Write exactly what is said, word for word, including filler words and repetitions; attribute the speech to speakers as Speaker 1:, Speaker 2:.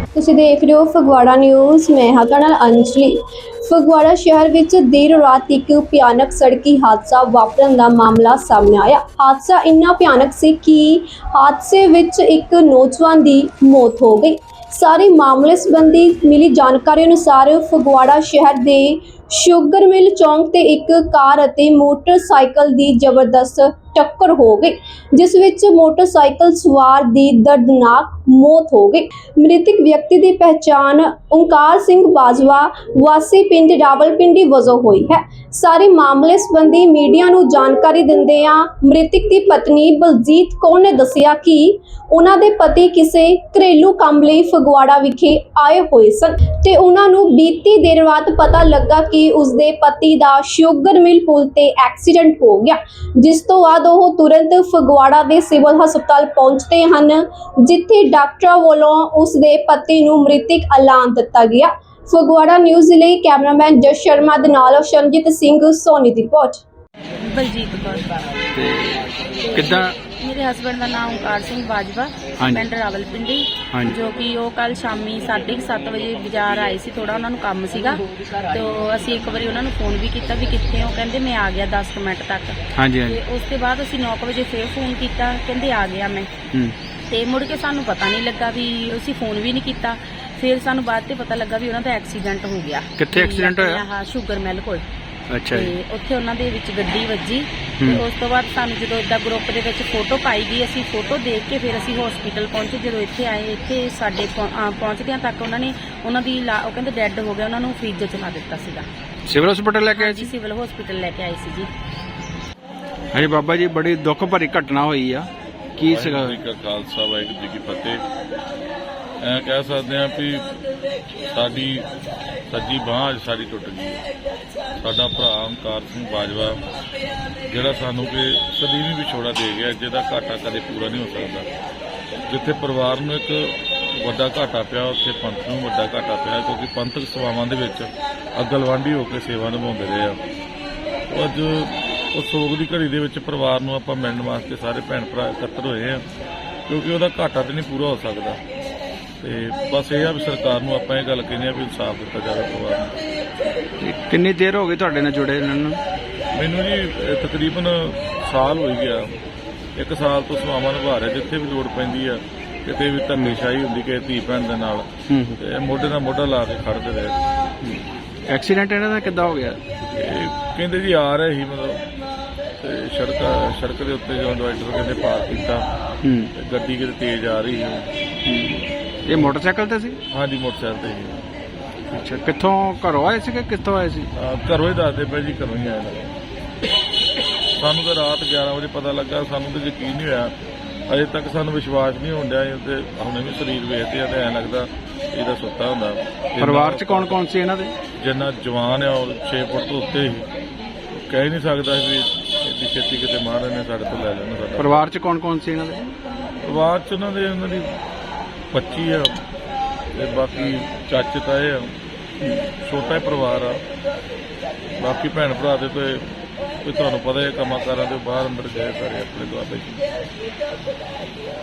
Speaker 1: ਤੁਸੀਂ ਦੇਖ ਰਹੇ ਹੋ ਫਗਵਾੜਾ ਨਿਊਜ਼। ਮੈਂ ਹਾਂ ਤੁਹਾਡੇ ਨਾਲ ਅੰਜਲੀ। ਫਗਵਾੜਾ ਸ਼ਹਿਰ ਵਿੱਚ ਦੇਰ ਰਾਤ ਇੱਕ ਭਿਆਨਕ ਸੜਕੀ ਹਾਦਸਾ ਵਾਪਰਨ ਦਾ ਮਾਮਲਾ ਸਾਹਮਣੇ ਆਇਆ। ਹਾਦਸਾ ਇੰਨਾ ਭਿਆਨਕ ਸੀ ਕਿ ਹਾਦਸੇ ਵਿੱਚ ਇੱਕ ਨੌਜਵਾਨ ਦੀ ਮੌਤ ਹੋ ਗਈ। ਸਾਰੇ ਮਾਮਲੇ ਸੰਬੰਧੀ ਮਿਲੀ ਜਾਣਕਾਰੀ ਅਨੁਸਾਰ ਫਗਵਾੜਾ ਸ਼ਹਿਰ ਦੇ ਸ਼ੂਗਰ ਮਿਲ ਚੌਂਕ ਤੇ ਇੱਕ ਕਾਰ ਅਤੇ ਮੋਟਰਸਾਈਕਲ ਦੀ ਜ਼ਬਰਦਸਤ ਟੱਕਰ ਹੋ ਗਈ, ਜਿਸ ਵਿੱਚ ਮੋਟਰਸਾਈਕਲ ਸਵਾਰ ਦੀ ਦਰਦਨਾਕ ਮੌਤ ਹੋ ਗਈ। ਮ੍ਰਿਤਕ ਵਿਅਕਤੀ ਦੀ ਪਹਿਚਾਣ ਓਂਕਾਰ ਸਿੰਘ ਬਾਜਵਾ ਵਾਸੀ ਪਿੰਡ ਰਾਵਲਪਿੰਡੀ ਵਜੋਂ ਹੋਈ ਹੈ। ਸਾਰੇ ਮਾਮਲੇ ਸੰਬੰਧੀ ਮੀਡੀਆ ਨੂੰ ਜਾਣਕਾਰੀ ਦਿੰਦਿਆਂ ਮ੍ਰਿਤਕ ਦੀ ਪਤਨੀ ਬਲਜੀਤ ਕੌਰ ਨੇ ਦੱਸਿਆ ਕਿ ਉਹਨਾਂ ਦੇ ਪਤੀ ਕਿਸੇ ਘਰੇਲੂ ਕੰਮ ਲਈ ਫਗਵਾੜਾ ਵਿਖੇ ਆਏ ਹੋਏ ਸਨ ਤੇ ਉਹਨਾਂ ਨੂੰ ਬੀਤੀ ਦੇਰ ਰਾਤ ਪਤਾ ਲੱਗਾ ਕਿ ਉਸਦੇ ਪਤੀ ਦਾ ਸ਼ੂਗਰ ਮਿਲ ਪੁਲ ਤੇ ਐਕਸੀਡੈਂਟ ਹੋ ਗਿਆ, ਜਿਸ ਤੋਂ ਬਾਅਦ ਉਹ ਤੁਰੰਤ ਫਗਵਾੜਾ ਦੇ ਸਿਵਲ ਹਸਪਤਾਲ ਪਹੁੰਚਦੇ ਹਨ, ਜਿੱਥੇ ਡਾਕਟਰਾਂ ਵੱਲੋਂ ਉਸਦੇ ਪਤੀ ਨੂੰ ਮ੍ਰਿਤਕ ਐਲਾਨ ਦਿੱਤਾ ਗਿਆ। ਫਗਵਾੜਾ ਨਿਊਜ਼ ਲਈ ਕੈਮਰਾਮੈਨ ਜਸ ਸ਼ਰਮਾ ਦੇ ਨਾਲ ਸ਼ਰਨਜੀਤ ਸਿੰਘ ਸੋਨੀ ਦੀ ਰਿਪੋਰਟ।
Speaker 2: ਬਲਜੀਤ ਕੌਰ।
Speaker 3: ਤੇ ਕਿੱਦਾਂ
Speaker 2: ਮੇਰੇ ਹਸਬੈਂਡ ਦਾ ਨਾਮ ਓਂਕਾਰ ਸਿੰਘ ਬਾਜਵਾ, ਪਿੰਡ ਰਾਵਲਪਿੰਡੀ, ਜੋ ਕਿ ਉਹ ਕੱਲ ਸ਼ਾਮੀ ਸਾਢੇ ਸੱਤ ਵਜੇ ਬਾਜ਼ਾਰ ਆਏ ਸੀ। ਥੋੜਾ ਉਹਨਾਂ ਨੂੰ ਕੰਮ ਸੀਗਾ, ਤੇ ਅਸੀਂ ਇੱਕ ਵਾਰੀ ਉਹਨਾਂ ਨੂੰ ਫੋਨ ਵੀ ਕੀਤਾ ਵੀ ਕਿੱਥੇ ਹੋ, ਕਹਿੰਦੇ ਮੈਂ ਆ ਗਿਆ ਦਸ ਮਿੰਟ ਤੱਕ।
Speaker 3: ਹਾਂਜੀ ਹਾਂਜੀ।
Speaker 2: ਤੇ ਉਸ ਤੋਂ ਬਾਅਦ ਅਸੀਂ ਨੌ ਵਜੇ ਫੇਰ ਫੋਨ ਕੀਤਾ, ਕਹਿੰਦੇ ਆ ਗਿਆ ਮੈਂ। ਤੇ ਮੁੜ ਕੇ ਸਾਨੂੰ ਪਤਾ ਨਹੀਂ ਲੱਗਾ ਵੀ ਅਸੀਂ ਫੋਨ ਵੀ ਨਹੀਂ ਕੀਤਾ। ਫਿਰ ਸਾਨੂੰ ਬਾਅਦ ਤੇ ਪਤਾ ਲੱਗਾ ਵੀ ਉਹਨਾਂ ਦਾ ਐਕਸੀਡੈਂਟ ਹੋ ਗਿਆ।
Speaker 3: ਕਿੱਥੇ ਐਕਸੀਡੈਂਟ ਹੋਇਆ?
Speaker 2: ਹਾਂ, ਸ਼ੂਗਰ ਮਿਲ ਕੋਲ।
Speaker 3: ਅੱਛਾ ਜੀ।
Speaker 2: ਤੇ ਉੱਥੇ ਉਹਨਾਂ ਦੇ ਵਿੱਚ ਗੱਡੀ ਵੱਜੀ। ਤੇ ਉਸ ਤੋਂ ਬਾਅਦ ਸਾਨੂੰ ਜਦੋਂ ਇਦਾਂ ਗਰੁੱਪ ਦੇ ਵਿੱਚ ਫੋਟੋ ਪਾਈ ਗਈ, ਅਸੀਂ ਫੋਟੋ ਦੇਖ ਕੇ ਫਿਰ ਅਸੀਂ ਹਸਪੀਟਲ ਪਹੁੰਚੇ। ਜਦੋਂ ਇੱਥੇ ਆਏ, ਇੱਥੇ ਸਾਡੇ ਪਹੁੰਚਦਿਆਂ ਤੱਕ ਉਹਨਾਂ ਨੇ ਉਹਨਾਂ ਦੀ ਉਹ ਕਹਿੰਦੇ ਡੈੱਡ ਹੋ ਗਿਆ, ਉਹਨਾਂ ਨੂੰ ਫ੍ਰਿਜ 'ਚ ਲਾ ਦਿੱਤਾ ਸੀਗਾ।
Speaker 3: ਸਿਵਲ ਹਸਪੀਟਲ ਲੈ ਕੇ ਆਏ ਸੀ?
Speaker 2: ਸਿਵਲ ਹਸਪੀਟਲ ਲੈ ਕੇ ਆਏ ਸੀ ਜੀ।
Speaker 3: ਹਾਂਜੀ ਬਾਬਾ ਜੀ, ਬੜੀ ਦੁੱਖ ਭਰੀ ਘਟਨਾ ਹੋਈ ਆ, ਕੀ ਸੀਗਾ?
Speaker 4: ਵਾਹਿਗੁਰੂ ਜੀ ਕਾ ਖਾਲਸਾ, ਵਾਹਿਗੁਰੂ ਜੀ ਕੀ ਫਤਿਹ। ਐ ਕਹਿ ਸਕਦੇ ਆ ਵੀ ਸਾਡੀ ਸੱਜੀ ਬਾਂਹ ਅੱਜ ਸਾਡੀ ਟੁੱਟ ਗਈ ਹੈ। ਸਾਡਾ ਭਰਾ ਓਂਕਾਰ ਸਿੰਘ ਬਾਜਵਾ, ਜਿਹੜਾ ਸਾਨੂੰ ਕਿ ਸਦੀਵੀ ਵਿਛੋੜਾ ਦੇ ਗਿਆ, ਜਿਹਦਾ ਘਾਟਾ ਕਦੇ ਪੂਰਾ ਨਹੀਂ ਹੋ ਸਕਦਾ। ਜਿੱਥੇ ਪਰਿਵਾਰ ਨੂੰ ਇੱਕ ਵੱਡਾ ਘਾਟਾ ਪਿਆ, ਉੱਥੇ ਪੰਥ ਨੂੰ ਵੱਡਾ ਘਾਟਾ ਪਿਆ, ਕਿਉਂਕਿ ਪੰਥਕ ਸੇਵਾਵਾਂ ਦੇ ਵਿੱਚ ਅਗਲਵਾਂਢੀ ਹੋ ਕੇ ਸੇਵਾ ਨਿਭਾਉਂਦੇ ਰਹੇ ਆ। ਅੱਜ ਉਸ ਸੋਗ ਦੀ ਘੜੀ ਦੇ ਵਿੱਚ ਪਰਿਵਾਰ ਨੂੰ ਆਪਾਂ ਮਿਲਣ ਵਾਸਤੇ ਸਾਰੇ ਭੈਣ ਭਰਾ ਇਕੱਤਰ ਹੋਏ ਆ, ਕਿਉਂਕਿ ਉਹਦਾ ਘਾਟਾ ਤੇ ਨਹੀਂ ਪੂਰਾ ਹੋ ਸਕਦਾ। ਤੇ ਬਸ ਇਹ ਆ ਵੀ ਸਰਕਾਰ ਨੂੰ ਆਪਾਂ ਇਹ ਗੱਲ ਕਹਿੰਦੇ ਆ ਵੀ ਇਨਸਾਫ ਦਿੱਤਾ ਜਾਵੇ ਪਰਿਵਾਰ ਨੂੰ।
Speaker 3: ਕਿੰਨੀ ਦੇਰ ਹੋ ਗਈ ਤੁਹਾਡੇ ਨਾਲ ਜੁੜੇ ਇਹਨਾਂ ਨੂੰ?
Speaker 4: ਮੈਨੂੰ ਜੀ ਤਕਰੀਬਨ ਸਾਲ ਹੋ ਗਿਆ। ਇੱਕ ਸਾਲ ਤੋਂ ਸੇਵਾਵਾਂ ਨਿਭਾ ਰਿਹਾ, ਜਿੱਥੇ ਵੀ ਲੋੜ ਪੈਂਦੀ ਆ, ਕਿਤੇ ਵੀ ਧੰਨੇਸ਼ਾਹੀ ਹੁੰਦੀ ਕਿ ਧੀ ਭੈਣ ਦੇ ਨਾਲ, ਤੇ ਮੋਢੇ ਨਾਲ ਮੋਢਾ ਲਾ ਕੇ ਖੜਦੇ ਰਹੇ।
Speaker 3: ਐਕਸੀਡੈਂਟ ਇਹਨਾਂ ਦਾ ਕਿੱਦਾਂ ਹੋ ਗਿਆ?
Speaker 4: ਕਹਿੰਦੇ ਜੀ ਆ ਰਹੇ ਸੀ ਮਤਲਬ, ਤੇ ਸੜਕ ਸੜਕ ਦੇ ਉੱਤੇ ਜਦੋਂ ਡਿਵਾਈਡਰ ਕਹਿੰਦੇ ਪਾਰ ਕੀਤਾ, ਤੇ ਗੱਡੀ ਕਿਤੇ ਤੇਜ਼ ਆ ਰਹੀ ਸੀ।
Speaker 3: ਇਹ ਮੋਟਰਸਾਈਕਲ ਤੇ ਸੀ?
Speaker 4: ਹਾਂਜੀ, ਮੋਟਰਸਾਈਕਲ ਤੇ ਸੀ।
Speaker 3: ਅੱਛਾ, ਕਿੱਥੋਂ ਘਰੋਂ ਆਏ ਸੀ ਕਿ ਕਿੱਥੋਂ ਆਏ ਸੀ?
Speaker 4: ਘਰੋਂ ਹੀ ਦੱਸਦੇ ਪਏ ਜੀ, ਘਰੋਂ ਹੀ ਆਏ। ਸਾਨੂੰ ਤਾਂ ਰਾਤ ਗਿਆਰਾਂ ਵਜੇ ਪਤਾ ਲੱਗਾ, ਸਾਨੂੰ ਤਾਂ ਯਕੀਨ ਨਹੀਂ ਹੋਇਆ। ਅਜੇ ਤੱਕ ਸਾਨੂੰ ਵਿਸ਼ਵਾਸ ਨਹੀਂ ਹੋਣ ਡਿਆ। ਤੇ ਹੁਣੇ ਵੀ ਸਰੀਰ ਵੇਖਦੇ ਆ ਤੇ ਐਂ ਲੱਗਦਾ ਇਹਦਾ ਸੁੱਤਾ ਹੁੰਦਾ।
Speaker 3: ਪਰਿਵਾਰ 'ਚ ਕੌਣ ਕੌਣ ਸੀ ਇਹਨਾਂ ਦੇ?
Speaker 4: ਜਿੰਨਾ ਜਵਾਨ ਆ ਉਹ ਛੇ ਫੁੱਟ ਤੋਂ ਉੱਤੇ ਹੀ, ਕਹਿ ਨਹੀਂ ਸਕਦਾ ਵੀ ਇਹਦੀ ਛੇਤੀ ਕਿਤੇ ਮਹਾਰਾਜ ਨੇ ਸਾਡੇ ਤੋਂ ਲੈ ਲੈਣਾ। ਸਾਡਾ
Speaker 3: ਪਰਿਵਾਰ 'ਚ ਕੌਣ ਕੌਣ ਸੀ ਇਹਨਾਂ ਦੇ?
Speaker 4: ਪਰਿਵਾਰ 'ਚ ਉਹਨਾਂ ਦੇ ਉਹਨਾਂ ਦੀ ਬੱਚੀ ਆ, ਤੇ ਬਾਕੀ ਚਾਚੇ ਤਾਏ ਆ, ਛੋਟਾ ਹੀ ਪਰਿਵਾਰ ਆ। ਬਾਕੀ ਭੈਣ ਭਰਾ ਦੇ ਤੇ ਤੁਹਾਨੂੰ ਪਤਾ ਹੈ ਕੰਮਾਂ ਕਾਰਾਂ ਦੇ ਬਾਹਰ ਅੰਦਰ ਗਏ ਸਾਰੇ ਆਪਣੇ ਦੁਆਬੇ 'ਚ।